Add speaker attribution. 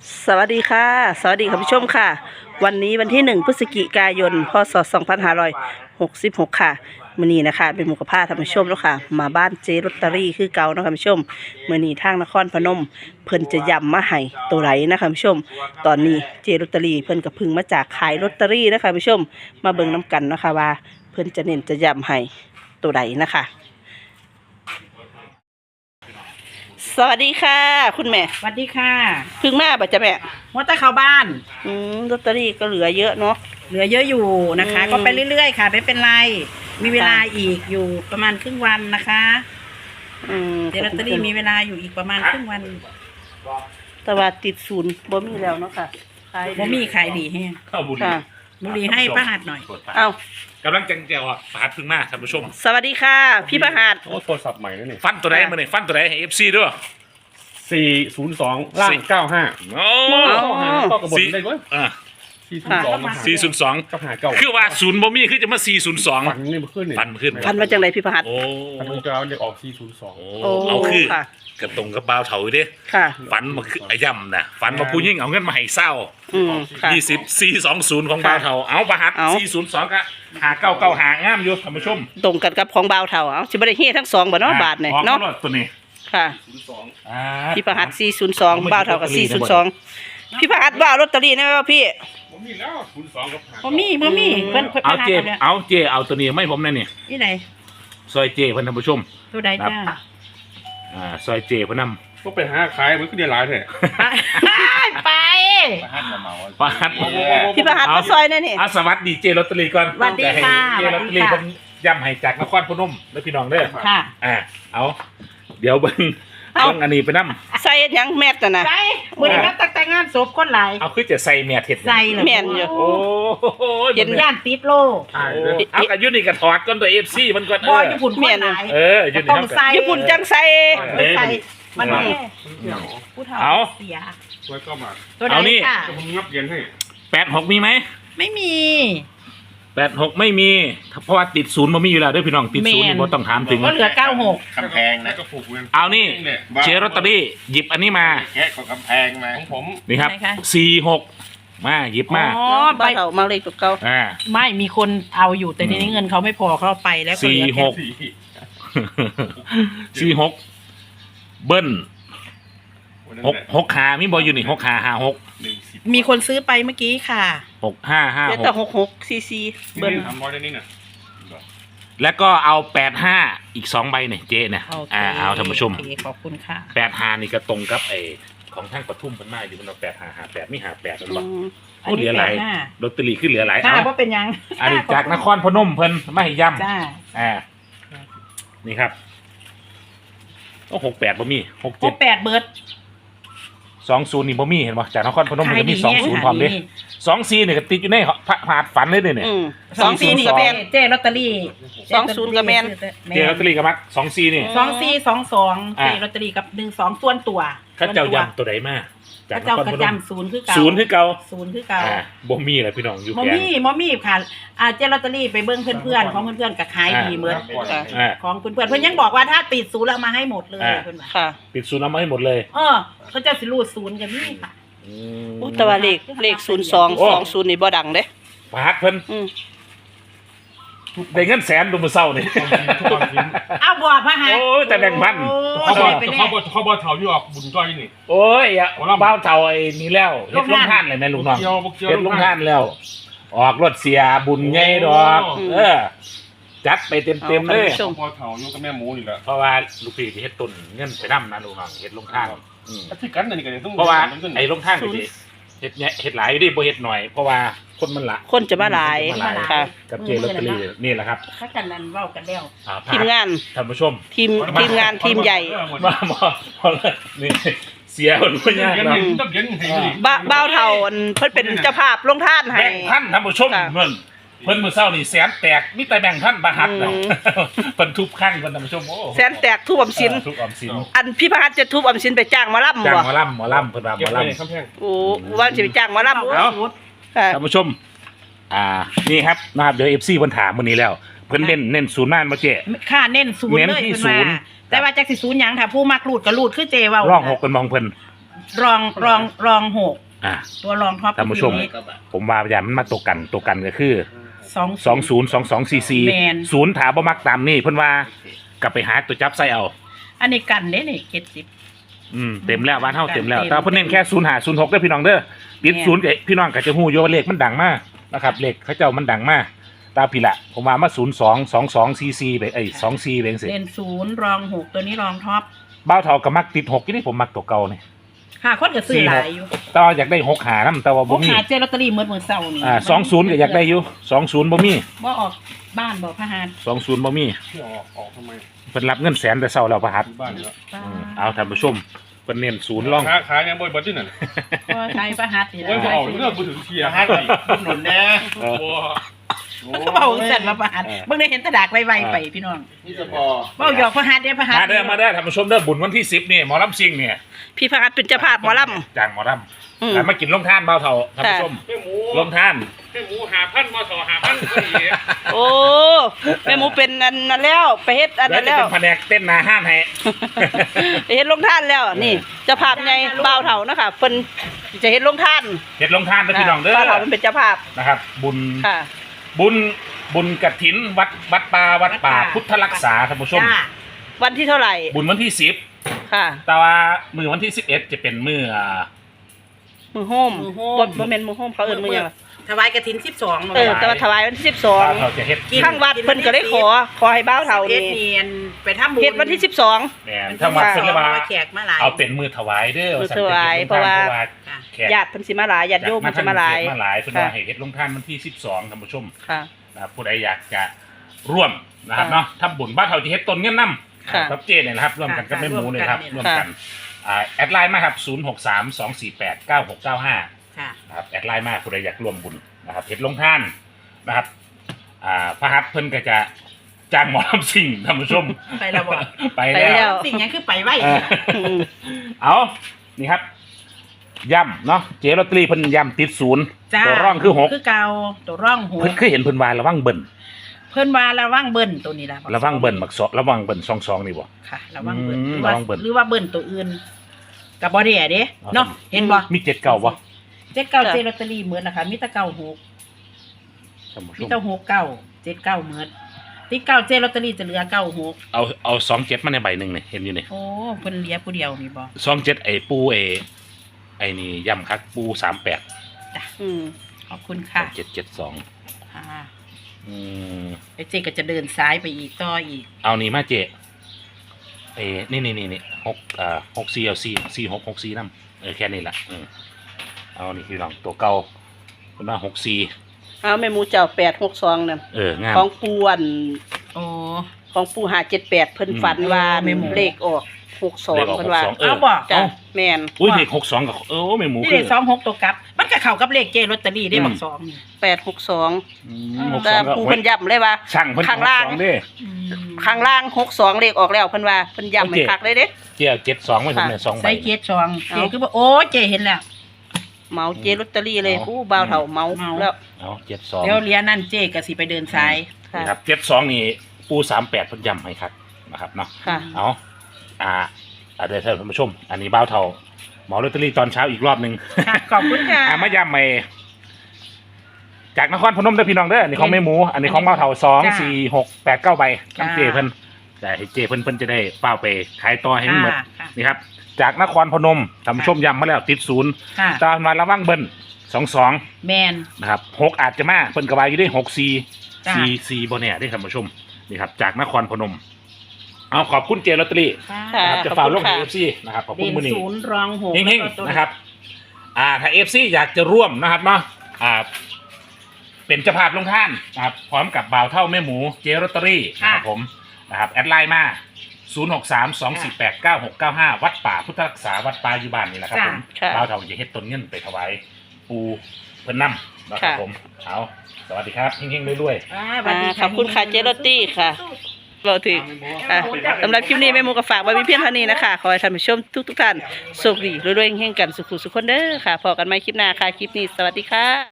Speaker 1: สวัสดีค่ะสวัสดีคุณผู้ชมค่ะวันนี้วันที่1 พฤศจิกายนพศ2566ค่ะมื้อนี้นะคะเป็นหมู่กับพาท่านผู้ชมแล้วค่ะมาบ้านเจลอตเตอรี่คือเก่านะคะคุณผู้ชมมื้อนี้ทางนครพนมเพิ่นจะย้ำมาให้ตัวไหนนะคะคุณผู้ชมตอนนี้เจลอตเตอรี่เพิ่นก็พึ่งมาจากขายลอตเตอรี่นะคะคุณผู้ชมมาเบิ่งน้กันนะคะว่าเพิ่นจะเน้นจะย้ำให้ตัวไหนนะคะสวัสดีค่ะคุณแม่
Speaker 2: สวัสดีค่ะ
Speaker 1: พึ่งมาบ่จ๊ะแม่
Speaker 2: มดแต่เข้าบ้าน
Speaker 1: ลอตเตอรี่ก็เหลือเยอะเนาะ
Speaker 2: เหลือเยอะอยู่นะคะ ก็ไปเรื่อยๆค่ะไม่เป็นไรมีเวลาอีกอยู่ประมาณครึ่งวันนะคะเดี๋ยวลอตเตอรี่มีเวลาอยู่อีกประมาณครึ่งวัน
Speaker 1: แต่ว่าติดศูนย์บ่มีแล้วเนาะค่ะ
Speaker 2: บ่มีขายดีแฮง
Speaker 3: เข้าบุรี
Speaker 2: บุรีให้ป้าหัดหน่อย
Speaker 1: เอา
Speaker 3: กำลังจังแจวประหัดพึ่งมาท่านผู้ชม
Speaker 1: สวัสดีค่ะพี่ประหัด
Speaker 4: โอ้โทรศัพท์ใหม่แล้วนี่
Speaker 3: ฟันตัวไหนมาเนี่ยฟันตัวไหนให้ FC ด้วย
Speaker 4: 402ล่าง95
Speaker 3: โอ้
Speaker 4: ก็กระบดได้ด้วย
Speaker 3: 402
Speaker 4: กับ59
Speaker 3: คือว่าศูนย์บ่มีคือจะมา402
Speaker 4: ฟันนี่มันขึ้นนี่
Speaker 3: ฟันขึ้น
Speaker 1: ฟันมาจากไหนพี่ประหัด
Speaker 3: โอ้
Speaker 4: ฟันมันจะเอาเรียกออก402
Speaker 3: โอ้เอาคือกระตรงกับบ่าวเถาอยู่ดิ
Speaker 1: ค่ะ
Speaker 3: ฟันมาคือย่ำนะฟันมาผู้ยิ่งเอาเงินมาให้เศร้า
Speaker 1: ค่ะ
Speaker 3: 420ของบ่าวเถาเอาประหัด402ก็5995หางามอยู่ท่านผู้ชม
Speaker 1: ตรงกันกับของบ่าวเฒ่าเอาสิบ่ได้เฮ็ดทั้งสองบ่เนาะบาทนี่เนาะ
Speaker 3: ตัวนี้
Speaker 1: ค่ะพี่ประหัด402บ่าวเฒ่ากับ402พี่ประหัดว่าลอตเตอรี่ได้มั้ยพี่
Speaker 4: ผมมีแล้ว02กับ
Speaker 2: บ่มีเพิ่น
Speaker 3: เอาเจเอาตัวนี้ไม่ผมแน่นี่
Speaker 2: ที่ไหน
Speaker 3: ซอยเจเพิ่นท่านผู้ชม
Speaker 2: ตัวใดจ้า
Speaker 3: ซอยเจเพิ่นนำ
Speaker 4: ก็ไปหาขายมันก็ได้หลายแท้
Speaker 2: ไป
Speaker 3: ประหัด
Speaker 1: พี่ประหัดมาซอยนั่นนี่
Speaker 3: สวัสดีเจลอตเตอรี่ก่อน
Speaker 2: สวัสดีค่ะ
Speaker 3: เจลอตเตอรี่เพิ่นย้ำให้จากนครพนมเด้อพี่น้องเด้อ
Speaker 2: ค่ะ
Speaker 3: เอาเดี๋ยวเบิ่งอันนี้ไปนำ
Speaker 1: ใส่หยังแมสน่ะนะ
Speaker 2: ใส่มื้อนี้มาแต่งงานศพคนหลาย
Speaker 3: เอาคือจะใส่แม่เฮ็ด
Speaker 2: ใส่
Speaker 1: แม่นอยู่
Speaker 3: โอ้
Speaker 2: เห็นย่านติดโล
Speaker 3: เอาก็อยู่นี่ก็ถอดก่อนตัว FC มันก่อน
Speaker 2: บ่ญี่ปุ่นแม่น
Speaker 3: อยู่นี่
Speaker 2: ต้องใส่
Speaker 1: ญี่ปุ่นจังใส่
Speaker 2: มันนี่ผู้เฒ่าเสีย
Speaker 4: ไว้ก็มา
Speaker 2: ตัวไหนค่ะ
Speaker 4: ผมงับเย็นให้
Speaker 3: 86มีไหม
Speaker 2: ไม่มี
Speaker 3: 86ไม่มีเพราะว่าติดศูนย์บ่มีอยู่แล้วเด้อพี่น้องติดศูนย์นี่บ่ต้องถามถึง
Speaker 2: ก็เหลือ96
Speaker 4: กำแพงนะก็ผูก
Speaker 3: เอานี่เจลอตเตอรี่หยิบอันนี้มา
Speaker 4: แกะของกำแพงมาของผม
Speaker 3: นี่ครับ46มาหยิบมา
Speaker 1: บ่าวเฒ่ามาเลขตัวเก่า
Speaker 2: ไม่มีคนเอาอยู่แต่ทีนี้เงินเขาไม่พอเขาไปแล้วก็เหลือ
Speaker 3: 46เบิ้ล6ขามีบ่อยู่นี่6ขา56
Speaker 2: มีคนซื้อไปเมื่อกี้ค่ะ
Speaker 3: 6556
Speaker 1: แต่66ซีซี
Speaker 4: เบิ้ล300ได้นี่น่ะ
Speaker 3: แล้วก็เอา85อีก2ใบเนี่ยเจ๊เนี่ยเอาท่านผู้ชม
Speaker 2: ขอบคุณค่ะ
Speaker 3: 85นี่ก็ตรงกับไอ้ของทางปทุมเพิ่นมาอยู่มันเอา8558มี58มันบ่เหลือหลายลอตเตอรี่ขึ้นเหลือหลาย
Speaker 2: เอาบ่เป็นหยัง
Speaker 3: อันนี้จากนครพนมเพิ่นมาให้ย้ำ
Speaker 2: จ้า
Speaker 3: นี่ครับโอ้68บ่มี
Speaker 2: 68เบิด
Speaker 3: 20นี่บ่มีเห็นบ่จากนครพนมมันจะมี20พร้อมเด้24นี่ก็ติดอยู่ในผาดฝันเลยเนี่ย
Speaker 1: 24นี่ก็แม่น
Speaker 2: เจลอตเตอรี่
Speaker 1: 20ก็แม่น
Speaker 3: เจลอตเตอรี่ก็มัก24นี่
Speaker 2: 2422เจลอตเตอรี่กับ12ส่วนตัว
Speaker 3: เขาเจ้าย้ำตัวใดมา
Speaker 2: จากนครพนม0คือเก่า
Speaker 3: 0คือเก่าบ่มีแหละพี่น้องอยู่แค่
Speaker 2: บ่มีค่ะเจลอตเตอรี่ไปเบิ่งเพื่อนๆของเพื่อนๆก็ขายดีเหมือนของเพื่อนๆเพิ่นยังบอกว่าถ้าติด0แล้วมาให้หมดเลยเพิ่นว่า
Speaker 1: ค่ะ
Speaker 3: ติด0เอามาให้หมดเลย
Speaker 2: เขาจะสิรูด0กันนี่ค่ะ
Speaker 1: แต่ว่าเลข0220นี่บ่ดังเด้
Speaker 3: พาดเพิ่นได้เงินแสนดูมื้อเช้านี่
Speaker 2: เอาบ่พะหา
Speaker 3: โอ้ยแต่แบ่งพัน
Speaker 4: เขาบ่เฒ่าอยู่ออกบุญจ้อยนี่
Speaker 3: โอ้ยบ้าวเฒ่าไอ้นี่แล้วเฮ็ดลงทานเลยแม่ลูกน้องเฮ็ดลงทานแล้วออกรถเสียบุญใหญ่ดอกจัดไปเต็มๆเลย
Speaker 4: พ่อเฒ่าอยู่กับแม่หมูนี่แหละ
Speaker 3: เพราะว่าลูกพี่สิเฮ็ดต้นเงินไปนำนะลูกน้องเฮ็ดลงทาน
Speaker 4: ที่กันนี่ก็ต้อง
Speaker 3: เพราะว่าไอ้ลงทานก็สิเฮ็ดหลายดิบ่เฮ็ดหน่อยเพราะว่าคนมันละ
Speaker 1: คนจะมาหลายค่ะ
Speaker 3: กับเจลอตเตอรี่นี่แหละครับ
Speaker 2: เขากันนั้นเว้ากันแล้ว
Speaker 1: ทีมงาน
Speaker 3: ท่านผู้ชม
Speaker 1: ทีมงานทีมใหญ่
Speaker 3: มานี่เสียคนบ่ยากเนาะ
Speaker 1: บ่าวเฒ่าเพิ่นเป็นเจ้าภาพลงทานให้
Speaker 3: แบ่งพันท่านผู้ชมเพิ่นมื้อเช้านี่แสนแตกมีแต่แบ่งพันบาทเนาะเพิ่นทุบข้างเพิ่นท่านผู้ชมโอ้
Speaker 1: แสนแตกทุบออมสินอันพี่พหัสจะทุบออมสินไปจ้างหมอลำบ่
Speaker 3: จ้างหมอลำเพิ่นว่าหมอล
Speaker 1: ำโอ้ว่าสิไปจ้างหมอลำ
Speaker 3: ท่านผู้ชมนี่ครับนะครับเดี๋ยว FC เพิ่นถามมื้อนี้แล้วเพิ่นเน้นศูนย์ม่านบ่เจ๊
Speaker 2: ค่ะเน้นศูนย์เลยเพิ่นว่าแต่ว่าจักสิศูนย์หยังถ้าผู้มักรูดก็รูดคือเจเว้า
Speaker 3: ร้อง6กันมองเพิ่น
Speaker 2: รองหก
Speaker 3: อ่า
Speaker 2: ตัวรองท็อป
Speaker 3: ท่านผู้ชม ผมว่าอย่างมันมาตกกันก็คือ
Speaker 2: แม่น
Speaker 3: 202244ถาบ่มักตามนี่เพิ่นว่ากลับไปหาตัวจับใส่เอา
Speaker 2: อันนี้กันเด้นี่70
Speaker 3: เต็มแล้วบ้านเฮาเต็มแล้ว
Speaker 2: เต็ม
Speaker 3: แต่ว่าเพิ่นเน้นแค่0506เด้อพี่น้องเด้อติด
Speaker 2: แม่น
Speaker 3: ศูนย์กับพี่น้องก็จะฮู้อยู่ว่าเลขมันดังมากนะครับเลขเขาเจ้ามันดังมากตามพี่ละผมว่ามา022244ไป24ไปจังซี่
Speaker 2: เด่น0รอง6ตัวนี้รองท็อป
Speaker 3: บ้าวเฒ่าก็มักติด6อยู่นี่ผมมักตัวเก่านี่
Speaker 2: ค่ะคนก็ซื้อหลายอยู่
Speaker 3: แต่ว่าอยากได้6หานํแต่ว่า
Speaker 2: พ
Speaker 3: บ่
Speaker 2: ก
Speaker 3: มี
Speaker 2: หาเจลอตเตอรี่เมื่อเช้านี่
Speaker 3: 20ก็อยากได้อยู่20บ่มี
Speaker 2: บ่ออกบ้านบ่พะหาร
Speaker 3: 20บ่มี
Speaker 4: ที่ออกทำไม
Speaker 3: เพิ่นรับเงินแสนแต่เช้าแล้วประหัด
Speaker 4: บ้านแล้ว
Speaker 3: เอาท่านผู้ชมเพิ่นเน้นศูนย์ร่อง
Speaker 4: ขายยังบ่อยเบิดที่นั่น
Speaker 2: ก็ใช้พะหัดนี่
Speaker 4: โอ้ยบ่
Speaker 2: แหละ
Speaker 4: เอาเรื่องบ่ถึงเทียร์
Speaker 5: ให้หนุนแน่
Speaker 3: เออ
Speaker 4: บ่
Speaker 2: มันก็เบาเสร็จมาพะหัดเบิ่งได้เห็นแตะดากไวๆไปพี่น้อง
Speaker 5: นี่จะพอ
Speaker 2: เว้าหยอกพะหัดเด้อพะหัด
Speaker 3: มาเด้อท่านผู้ชมเด้อบุญวันที่10นี่หมอลำซิ่งเนี่ย
Speaker 1: พี่พัดเป็นเจ้าภาพหมอล
Speaker 3: จ้างหมอล
Speaker 1: อืม
Speaker 3: ำแล้วมากินลงท่านเบาเท่าท่านผู้ชม
Speaker 4: ให้หมู
Speaker 3: ลงท่าน
Speaker 4: ให้หมู5,000มาต่อ5,000ก็ดี
Speaker 1: ำโอ้แม่หมูเป็นอันนั้นแล้วไปเฮ็ดอัน
Speaker 3: แล้ว
Speaker 1: นั้น
Speaker 3: จะ
Speaker 1: แล้ว
Speaker 3: เป็นแผนกเต้นหนาห้านให้
Speaker 1: ไปเฮ็ดลงท่านแล้วนี่เจ้าภาพใหญ่บ่าวเฒ่านะคะเพิ่นจะเฮ็ดลงท่าน
Speaker 3: เฮ็ดลงท่านนะพี่น้องเด้อ
Speaker 1: บ่าวเฒ่ามันเป็นเจ้าภาพ
Speaker 3: นะครับ บุญ
Speaker 1: ค่ะ
Speaker 3: บุญกฐินวัดป่าพุทธรักษาท่านผู้ชม
Speaker 2: จ้า
Speaker 1: วันที่เท่าไหร่
Speaker 3: บุญวันที่10
Speaker 1: ค่ะ
Speaker 3: แต่ว่ามือวันที่11จะเป็นมือ
Speaker 1: มือโฮมบ่แม่นมือโฮมเขาเอิ้นมือหยังวะ
Speaker 2: ถวายกฐิน12
Speaker 1: แต่ว่าถวายวันที่
Speaker 3: เบาเท่าจะเฮ็ด
Speaker 1: 12ข้างวัดเพิ่นก็เลยขอให้บ่าวเฒ่า
Speaker 2: เฮ็
Speaker 1: นี่
Speaker 2: ดเนียนไปทำบุญ
Speaker 1: เฮ็ดวันที่12
Speaker 3: แม่นถ้าวัดเพิ่นเลยว่า
Speaker 2: แขกมาหลาย
Speaker 3: เอาเป็นมือถวายเด้อ
Speaker 1: มือถวายเพราะว่า
Speaker 2: ค่ะ
Speaker 3: แขก
Speaker 1: ญาติเพิ่นสิมาหลายญาติโยมเพิ่นสิมาหลาย
Speaker 3: มาหลายเพิ่นว่าให้เฮ็ดลงท่านวันที่12ท่านผู้ชม
Speaker 1: ค่ะ
Speaker 3: นะครับผู้ใดอยากจะร่วมนะครับเนาะทำบุญบ้านเขาจะเฮ็ดต้นเงินนำ
Speaker 1: ค่ะ
Speaker 3: ครับเจเนี่ยนะครับร่วมกันกับแม่หมูเนี่ยครับ
Speaker 2: ค่ะ
Speaker 3: ร่วมกันแอดไลน์มาครับ0632489695
Speaker 2: ค่ะ
Speaker 3: นะครับแอดไลน์มาผู้ใดอยากร่วมบุญนะครับเฮ็ดลงท่านนะครับพระหัตถ์เพิ่นก็จะจ้างหมอลำซิ่งท่านผู้ชม
Speaker 2: ไปแล้วบ่
Speaker 3: ไป
Speaker 1: ไปแล้
Speaker 3: แล้ว
Speaker 2: สิ่งนี้คือไปไว้
Speaker 3: เออเอานี่ครับย่ำเนาะเจลอตเตอรี่เพิ่นย่ำติดศูนย์
Speaker 2: จ้า
Speaker 3: ตัวร่องคือ6
Speaker 2: คือเก่าตัวร่องหก
Speaker 3: เพิ่นคือเห็นเพิ่นว่าระวังเบิ่น
Speaker 2: เพิ่นว่าระวังเบิ้นตัวนี้ล่ะ
Speaker 3: ระวังเบิ่นมักระวังเบิ่น22นี่บ่
Speaker 2: ค่ะระวังเบิ้น
Speaker 3: อืม
Speaker 2: หรือว่า
Speaker 3: ระวังเบิ้น
Speaker 2: หรือว่าเบิ้นตัวอื่นกับบ่ได้เด้เนาะเห็นบ่
Speaker 3: มี7เก่าบ่
Speaker 2: เจ็ดเก้าเจลอตเตอรี่เหมือนนะคะมีแต่เก้าหก
Speaker 3: ท่านผู้ช
Speaker 2: มี
Speaker 3: ม
Speaker 2: แต่หกเก้าเจ็ดเก้าเหมือนที่เก้าเจลอตเตอรี่จะเหลือเก้าหก
Speaker 3: เอา27มาในใบหนึงนี่เห็นอยู่นี่
Speaker 2: โอ้เพิ่นเหลือผู้เดียวนี่บ่
Speaker 3: 27ไอ้ปูไอ้นี่ย่ำคักปู38
Speaker 1: อืม
Speaker 2: ขอบคุณค่ะ
Speaker 3: 772
Speaker 2: ค่ะ
Speaker 3: อืม
Speaker 2: ไอ้เจก็จะเดินซ้ายไปอีกต่ออีก
Speaker 3: เอานี่มาเจนี่6 4เอา4 6 6 4นำแค่นี้ล่ะเอานี่คือลองตัวเก่าเพิ่นว่า64
Speaker 1: เอาแม่หมูเจ้า862นั่น
Speaker 3: งาม
Speaker 1: ของปูอัน
Speaker 2: โอ้
Speaker 1: ของปู578เพิ่นฝันว่า
Speaker 2: แม่หมู
Speaker 1: เลขออก62เพิ่นว่า
Speaker 2: เอาบ่
Speaker 1: จ้ะแม่น
Speaker 3: อุ้ยเลข62กับแม่หมู
Speaker 2: นี่
Speaker 3: คื
Speaker 2: เล
Speaker 3: อ
Speaker 2: ขสองหกตัวกลับ มันก็เข้ากับเลขเจลอตเตอรี่ได้บักสองนี่
Speaker 1: 862แต่
Speaker 3: 62ก็
Speaker 1: ปูเพิ่นย้ำเลยว่า
Speaker 3: ช่างเพิ่น
Speaker 1: ข้างล่าง
Speaker 3: 62เด้
Speaker 1: ข้างล่าง62เลขออกแล้วเพิ่นว่าเพิ่นย้ำให้คักเลยเด้
Speaker 3: เจียว72ไว้ผมเนี่ย2ใบ
Speaker 2: ใส่เกียรสองเจคือบ่โอ้เจเห็นแล้ว
Speaker 1: เหมาเจลอตเตอรี่เลยผู้บ่าวเฒ่าเหมาแล้ว
Speaker 3: เอา72
Speaker 2: เดี๋ยวเรียนนั่นเจก็สิไปเดินซ้าย
Speaker 1: ค่ะ
Speaker 3: นี่ครับ72นี่ปู38เพิ่นย้ำให้ครับนะครับเนาะ
Speaker 1: ค่ะ
Speaker 3: เอาเดี๋ยวท่านผู้ชม อันนี้บ้าวเท่าหมอลอตเตอรี่ตอนเช้าอีกรอบหนึง
Speaker 2: ค่ะขอบคุณค่ะ
Speaker 3: มาย้ำใหม่จากนครพนมเด้อพี่น้องเด้ออันนี้ของแม่หมู อันนี้ของบ้าวเท่า2 4 6 8 9ใบทั้งเจเพิ่นแต่ให้เจเพิ่นจะได้เป้าไปขายต่อให้มันหมด
Speaker 2: ค่ะ
Speaker 3: นี่ครับจากนครพนมท่านผู้ชมย้ำมาแล้วติดศูนย์
Speaker 2: ค่ะ
Speaker 3: ตามมาระวังเบิ้ล22
Speaker 2: แมน
Speaker 3: นะครับ6อาจจะมาเพิ่นกระบายอยู่ได้6
Speaker 2: จ้ะ
Speaker 3: 4 4บ่เนี่ยได้ท่านผู้ชมนี่ครับจากนครพนมเอาขอบคุณเจลอตเตอรี่
Speaker 1: ค่ะ
Speaker 3: นะครับจะ
Speaker 1: ขอบ
Speaker 3: ฝ่า
Speaker 1: คุณ
Speaker 3: ลง
Speaker 1: ค่ะ
Speaker 3: เอฟซีนะครับขอบคุ
Speaker 2: เด่
Speaker 3: ณ
Speaker 2: น
Speaker 3: มือนี้
Speaker 2: ศูนย์รองหก
Speaker 3: เฮง
Speaker 2: แล้วก็ตัว
Speaker 3: ๆนะครับถ้าเอฟซีอยากจะร่วมนะครับเนาะเป็นเจ้าภาพลงท่านนะครับพร้อมกับบ่าวเท่าแม่หมูเจลอตเตอรี่นะครับผมนะครับแอดไลน์มา0632489695วัดป่าพุทธรักษาวัดป่าอยู่บ้านนี่แหละครับผม
Speaker 1: ค่ะ
Speaker 3: บ่าวเท่าจะเฮ็ดต้นเงินไปถวายปูเพิ่นนำนะครับผมเอาสวัสดีครับเฮงๆรวยๆ
Speaker 2: สวัสดี
Speaker 1: ขอบคุณค่ะเจลอตตี้ค่ะเราถึงค่ะสำหรับคลิปนี้แม่หมูก็ฝากไว้เพียงเท่านี้นะคะ ขอให้ท่านผู้ชมทุกท่านโชคดีรวยๆเฮงๆกันสุขสุขคนเด้อค่ะพอกันใหม่คลิปหน้าค่ะ คลิปนี้สวัสดีค่ะ